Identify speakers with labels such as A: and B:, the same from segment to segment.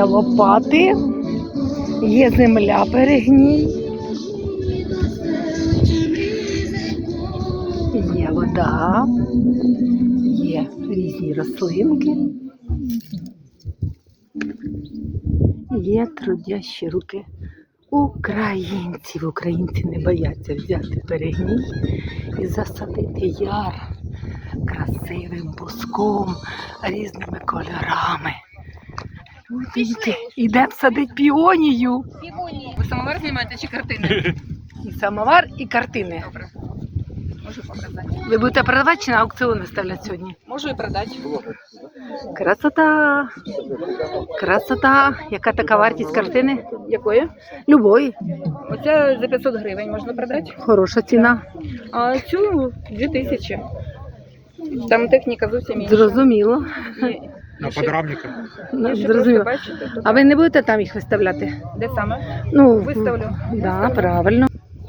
A: Є лопати, є земля перегній, є вода, є різні рослинки, є трудящі руки українців. Українці не бояться взяти перегній і засадити яр красивим буском, різними кольорами. Ідемо садити піонію.
B: Ви самовар знімаєте чи картини?
A: І самовар, і картини.
B: Добре. Можу показати.
A: Ви будете продавати чи на аукціон виставляти сьогодні?
B: Можу і продати.
A: Красота! Красота! Яка така вартість картини?
B: Якої?
A: Любої.
B: Оця за 500 гривень можна продати.
A: Хороша ціна.
B: А цю 2000. Там техніка зовсім інша.
A: Зрозуміло.
C: На подрамниках.
A: Зрозуміло.
B: Бачите, тут.
A: А ви не будете там їх виставляти?
B: Де саме?
A: Ну,
B: Виставлю.
A: Да, правильно.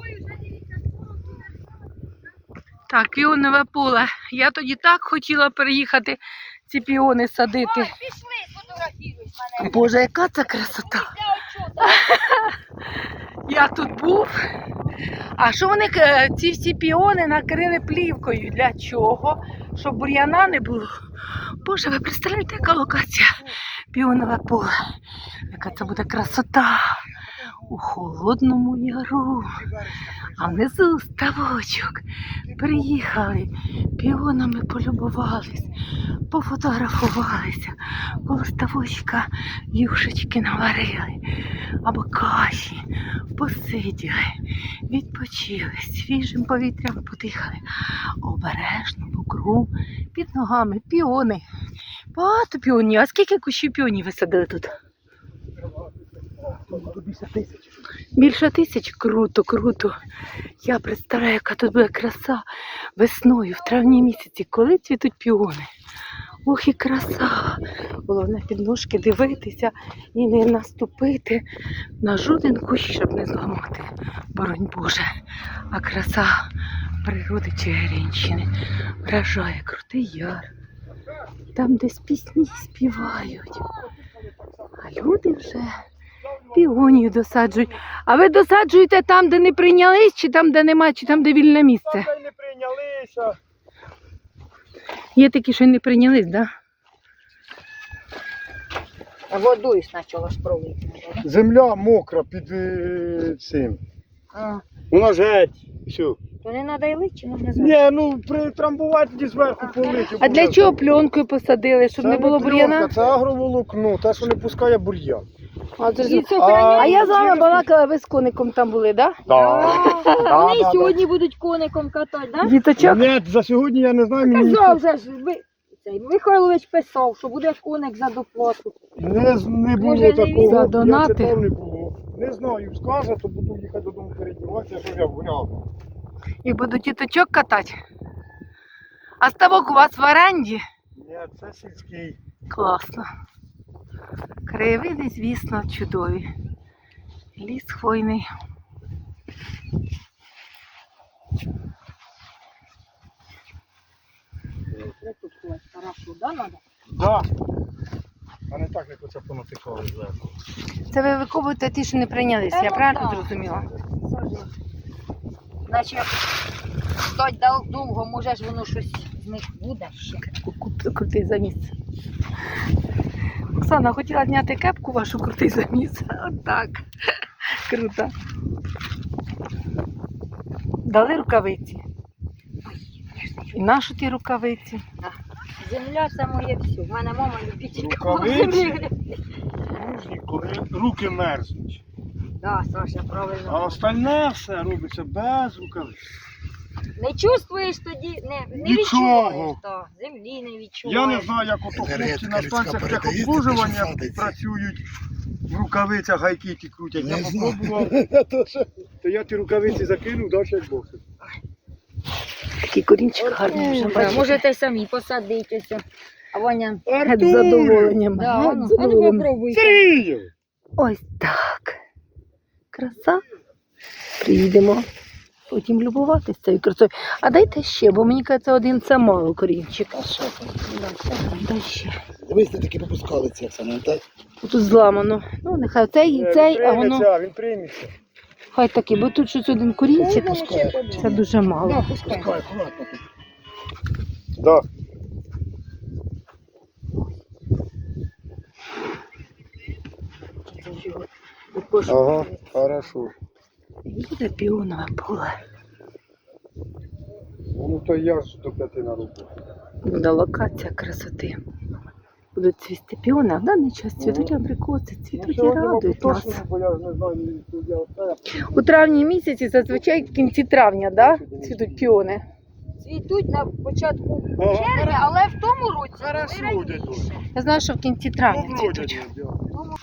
A: Так, піонове поле. Я тоді так хотіла переїхати ці піони садити. Боже, яка це красота! Я тут був. А що вони ці всі піони накрили плівкою? Для чого? Щоб бур'яна не було. Боже, ви представляєте, яка локація? Піонове поле. Яка це буде красота у Холодному Яру. А внизу ставочок. Приїхали, піонами полюбувались, пофотографувалися, коло ставочка юшечки наварили, або каші, посиділи, відпочили, свіжим повітрям подихали, обережно по кругу, під ногами піони. Багато піонів. А скільки кущів піонів ви садили тут?
C: Більше 1000.
A: Більше 1000? Круто, круто. Я представляю, яка тут буде краса весною, в травні місяці, коли цвітуть піони. Ох і краса. Головне під ножки дивитися і не наступити на жоден кущ, щоб не зламати. Боронь Боже. А краса природи Чигиринщини вражає. Крутий яр. Там десь пісні співають. А люди вже піонію досаджують. А ви досаджуєте там, де не прийнялись, чи там, де немає, чи там, де вільне місце?
C: Там не прийнялися.
A: Є такі, що й не прийнялись, так? Да?
B: А водою спочатку ж пролити.
C: Земля мокра під цим. Вона ж геть. Все.
B: То не треба й лити, чи можна
C: Ні, ну притрамбувати тоді зверху полити.
A: А для чого пленкою посадили, щоб не було бур'яна?
C: Це агроволокно, те, що не пускає бур'ян.
A: А я з вами балакала, ви з коником там були, так?
B: Вони і сьогодні будуть коником катати, так?
A: Діточок?
C: Ні, за сьогодні я не знаю. Мені
B: Казав же ж, Михайлович писав, що буде коник за доплату.
C: не було
B: Може,
C: такого.
A: за донати?
C: Я читав, не було. Не знаю, скаже, то буду їхати додому передіватися, що я гуляв.
A: І будуть діточок катати. А ставок у вас в оренді?
C: Ні, це сільський.
A: Класно. Краєвиди, звісно, чудові. Ліс хвойний.
B: Хорошо, да, надо?
C: Да. А не так, як оце понатикали зверху.
A: Це ви викопуєте ті, що не прийнялися, я правильно зрозуміла?
B: Значить, стать довго, може ж воно щось з них буде ще.
A: Крутий заміс. Оксана, хотіла зняти кепку вашу, крутий заміс. Отак. Круто. Дали рукавиці. І нашу ті рукавиці.
B: Земля це моє все. В мене мама любителька.
C: Рукавиці? Нужні, коли руки мерзнуть.
B: Да, Саша, правильно.
C: А остальне все робиться без рукавиць.
B: Не чувствуєш тоді, не
C: Нічого.
B: відчуваєш, так. Землі не відчуваєш.
C: Я не знаю, як ото хлопці на станціях техобслужування працюють в рукавицях, гайки ті крутять. Я попробував, то я ті рукавиці закинув, далі як Бог.
A: Такий корінчик гарний вже,
B: Да,
A: бачите?
B: можете самі посадитися. А Ваня,
A: Геть з задоволенням.
B: да,
A: геть
B: ану,
A: з задоволенням.
B: попробуйте.
A: Ось так. Краса. Приїдемо, потім любуватися цією красою. А дайте ще, бо мені кажеться, один це мало корінчик.
D: А що там?
A: Дай ще.
D: Дивись, ти таки попускали це саме, так?
A: Тут зламано. Ну, нехай цей і цей, а воно
C: Він прийметься.
A: хай таки, бо тут щось один корінчик.
D: Пускай.
A: Це дуже мало.
D: Пускай, акуратно.
C: Да. Ага, хорошо.
A: Їде піонове поле.
C: Ну то я ж до 5 на роботу.
A: Буде локація красоти. Будуть цвісти піони, а в даний час цвітуть абрикоси, цвітуть і радують нас.
C: Бо я ж не знаю, я оце.
A: У травні місяці, зазвичай в кінці травня, да? Цвітуть піони.
B: Цвітуть на початку
C: Ага.
B: червня, але в тому році
C: Хорошо,
B: вони
C: дядько.
B: раніше.
A: Я знаю, що в кінці травня
C: Добро,
A: цвітуть.
C: дядько.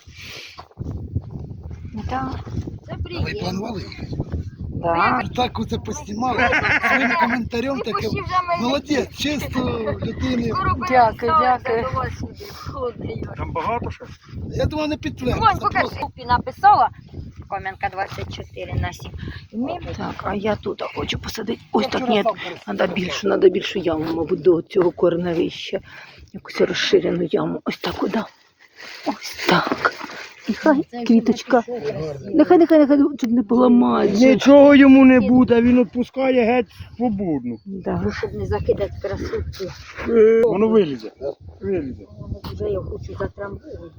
A: Да.
B: Це
D: Ви
B: приємно.
D: планували їхати?
A: Да.
D: Так оце поснімали. Своїм коментарем таке.
B: Пущі вже ми
D: Молодець, чисто людини.
B: скоро
A: Дякую, дякую.
B: переставимося до вас сюди, в Холодний Яр.
C: Там багато ще?
D: Я думаю, не
B: Вон,
D: підтвердиться.
B: покажи.
D: Просто
B: Купі написала, Кам'янка 24/7. І ми
A: Так, а я тут хочу посадити. Ось
D: я
A: так,
D: вчора
A: ні,
D: сам пересадив.
A: треба більшу яму, мабуть, до цього корневища. Якусь розширену яму. Ось так, куди? Ось так. І хай квіточка. Нехай тут не поламають. же.
C: Нічого йому не буде, він відпускає геть свободно.
A: Да.
B: щоб не закидати красотку.
C: Воно вилізе. Вилізе.
B: Вже я хочу затрамбувати.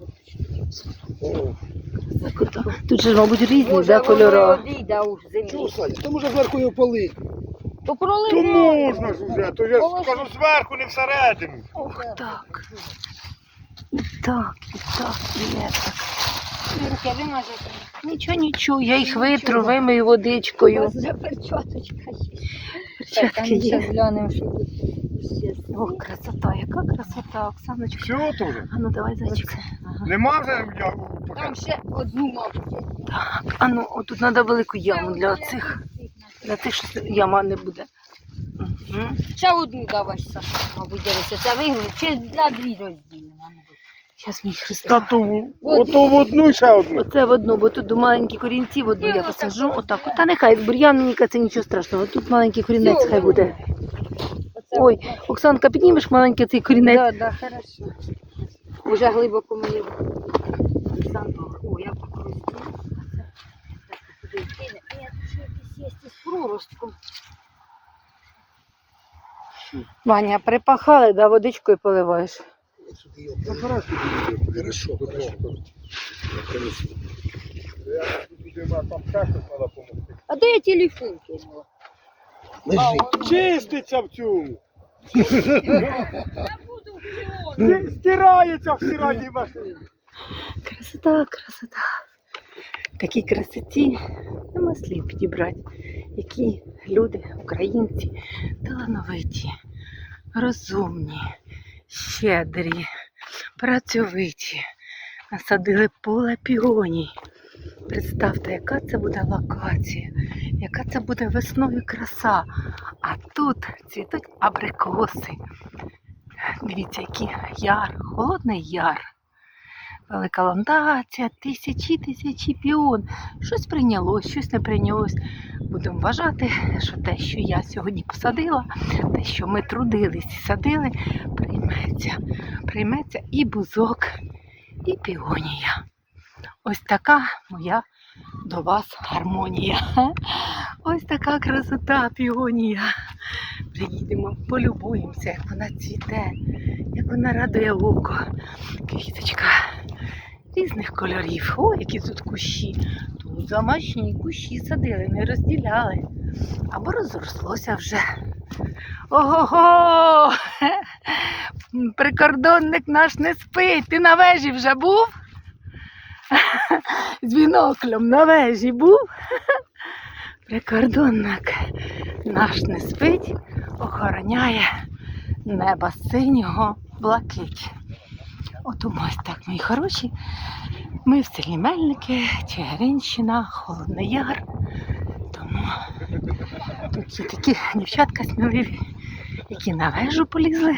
A: Так, куди? Тут же, мабуть, різні
B: Може,
A: да,
B: воно
A: кольори.
B: одійде у землі.
D: Чого, Саня? То може зверху його полити.
B: То
C: То
B: проливає.
C: можна ж уже, то я ж кажу зверху, не всередину.
A: Ох, так. І так, і так.
B: Руки вимазати.
A: Нічого, я їх витру, вимию водичкою.
B: Вже перчаточка є.
A: Перчатки є.
B: глянемо, що тут ще.
A: Ох, красота, яка красота, Оксаночка.
C: Все теж.
A: А ну давай, зайчик. Ага.
C: Нема вже я
B: Там ще одну мабуть.
A: Так, а ну, отут треба велику яму для оцих. Для тих, що яма не буде. Угу.
B: Ще одну давай, Саша, мабуть, дивися. Це вигнути, чи на дві розділимо.
A: Зараз мій
C: Та
A: Христа.
C: то ото в одну і ще одну.
A: Оце в одну, бо тут маленькі корінці, в одну я посаджу. Отак. Та нехай, бур'ян, мені це нічого страшного. Тут маленький корінець хай буде. Ой, Оксанка, піднімеш маленький цей корінець?
B: Так, так, хорошо. Уже глибоко мені. О, я покрутила. Я ще якийсь є з проростком.
A: Ваня, припахали, да, водичкою поливаєш.
D: Хорошо, хорошо.
C: Там ще щось треба допомогти.
B: А де я телефон кинула?
D: Лежить.
C: Чиститься в цьому. Стирається в стиральній машині.
A: Красота, красота. Такій красоті нема слів підібрати. Які люди, українці, талановиті, розумні, щедрі, працьовиті. Насадили поле піоній. Представте, яка це буде локація, яка це буде весною краса. А тут цвітуть абрикоси. Дивіться, який яр, холодний яр. Велика ландація, тисячі піон. Щось прийнялось, щось не прийнялось. Будемо вважати, що те, що я сьогодні посадила, те, що ми трудились і садили, прийметься. Прийметься і бузок, і піонія. Ось така моя до вас гармонія. Ось така красота піонія. Приїдемо, полюбуємося, як вона цвіте, як вона радує око. Квіточка різних кольорів. О, які тут кущі. Тут замашні кущі садили, не розділяли. Або розрослося вже. Ого-го! Прикордонник наш не спить. Ти на вежі вже був? З біноклем на вежі був? Прикордонник наш не спить, охороняє неба синього блакить. От ось так, мої хороші. Ми в селі Мельники, Чигиринщина, Холодний Яр. Тому тут є такі дівчатка сміливі, які на вежу полізли.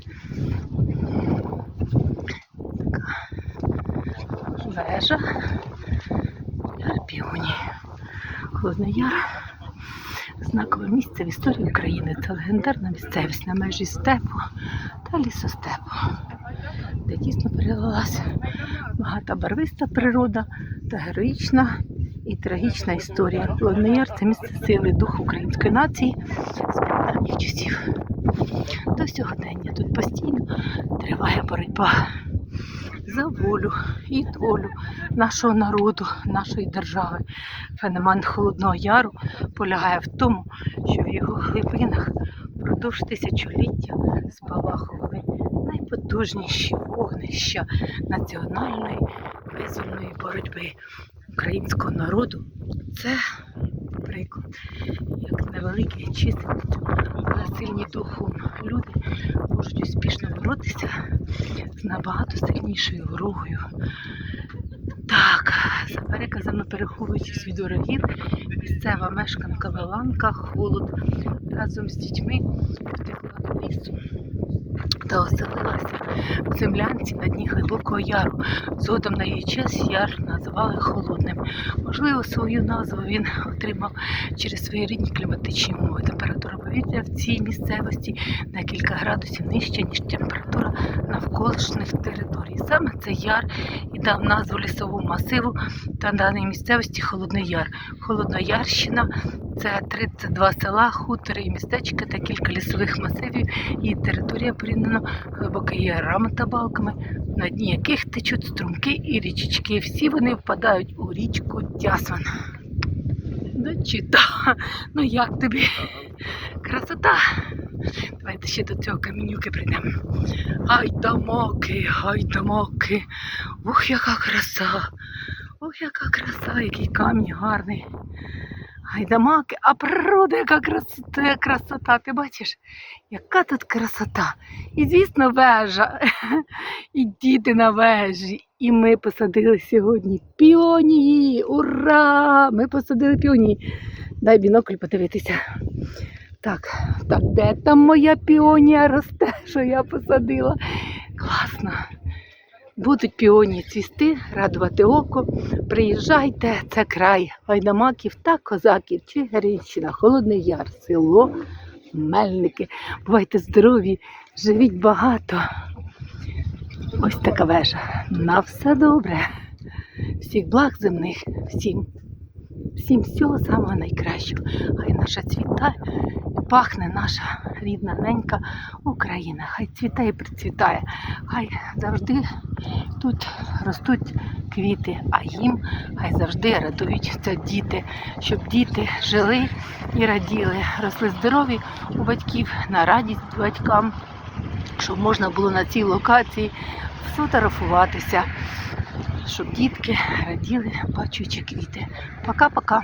A: Така вежа. Яр піоні. Холодний Яр. знакове місце в історії України. Це легендарна місцевість на межі степу та лісостепу, де дійсно перелилася багата барвиста природа та героїчна і трагічна історія. Холодний Яр – це місце сили, духу української нації з прадавніх часів. До сьогодення тут постійно триває боротьба за волю і долю нашого народу, нашої держави. Феномен Холодного Яру полягає в тому, що в його глибинах впродовж тисячоліття спалахували найпотужніші вогнища національної визвольної боротьби українського народу. Це приклад, як невеликі чисельністю, але сильні духом люди можуть успішно боротися з набагато сильнішою ворогою. Так, за переказами, переховуючись від ворогів, місцева мешканка Веланка Холод разом з дітьми втекла до лісу та оселилася в землянці на дні Глибокого Яру. Згодом на її честь яр називали Холодним. Можливо, свою назву він отримав через свої рідні кліматичні умови. Температура повітря в цій місцевості на кілька градусів нижча, ніж температура навколишніх територій. Саме цей яр і дав назву лісовому масиву та даній місцевості Холодний Яр. Холодноярщина – це 32 села, хутори і містечка та кілька лісових масивів. Її територія порівняно глибока ярами та балками, на дні яких течуть струмки і річечки. Всі вони впадають у річку Тясмин. Дочитала. Ну як тобі? Красота! Давайте ще до цього камінюки прийдемо. Гайдамаки, гайдамаки. Ух, яка краса! Ох, яка краса, який камінь гарний. Гайдамаки, а природа, яка красота, ти бачиш? Яка тут красота. І звісно вежа, і діти на вежі. І ми посадили сьогодні піонії, ура! Ми посадили піонії. Дай бінокль подивитися. Так, де там моя піонія росте, що я посадила? Класно. Будуть піонії цвісти, радувати око. Приїжджайте, це край гайдамаків та козаків, Чигиринщина, Холодний Яр, село Мельники. Бувайте здорові, живіть багато. Ось така вежа. На все добре. Всіх благ земних, всім всього самого найкращого. Хай наша цвітає, пахне наша рідна ненька Україна. Хай цвітає і процвітає. Хай завжди тут ростуть квіти, а їм хай завжди радуються діти. Щоб діти жили і раділи, росли здорові у батьків, на радість батькам, щоб можна було на цій локації сфотографуватися, щоб дітки раділи, бачачи квіти. Пока-пока.